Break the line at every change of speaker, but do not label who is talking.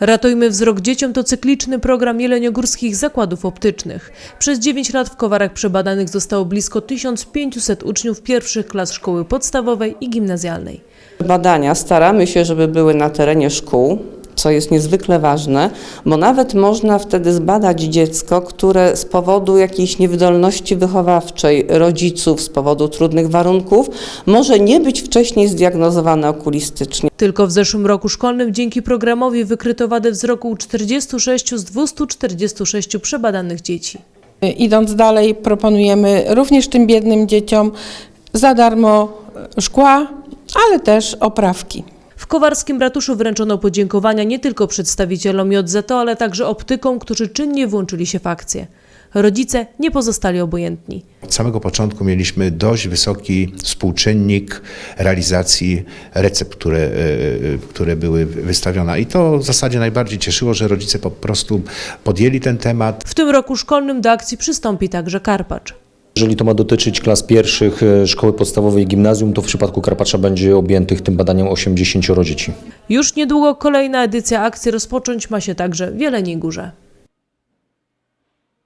Ratujmy wzrok dzieciom to cykliczny program jeleniogórskich zakładów optycznych. Przez 9 lat w Kowarach przebadanych zostało blisko 1500 uczniów pierwszych klas szkoły podstawowej i gimnazjalnej.
Badania staramy się, żeby były na terenie szkół, co jest niezwykle ważne, bo nawet można wtedy zbadać dziecko, które z powodu jakiejś niewydolności wychowawczej rodziców, z powodu trudnych warunków, może nie być wcześniej zdiagnozowane okulistycznie.
Tylko w zeszłym roku szkolnym dzięki programowi wykryto wadę wzroku u 46 z 246 przebadanych dzieci.
Idąc dalej, proponujemy również tym biednym dzieciom za darmo szkła, ale też oprawki.
W kowarskim ratuszu wręczono podziękowania nie tylko przedstawicielom JZO, ale także optykom, którzy czynnie włączyli się w akcję. Rodzice nie pozostali obojętni.
Od samego początku mieliśmy dość wysoki współczynnik realizacji recept, które były wystawione. I to w zasadzie najbardziej cieszyło, że rodzice po prostu podjęli ten temat.
W tym roku szkolnym do akcji przystąpi także Karpacz.
Jeżeli to ma dotyczyć klas pierwszych szkoły podstawowej i gimnazjum, to w przypadku Karpacza będzie objętych tym badaniem 80 dzieci.
Już niedługo kolejna edycja akcji rozpocząć ma się także w Jeleniej Górze.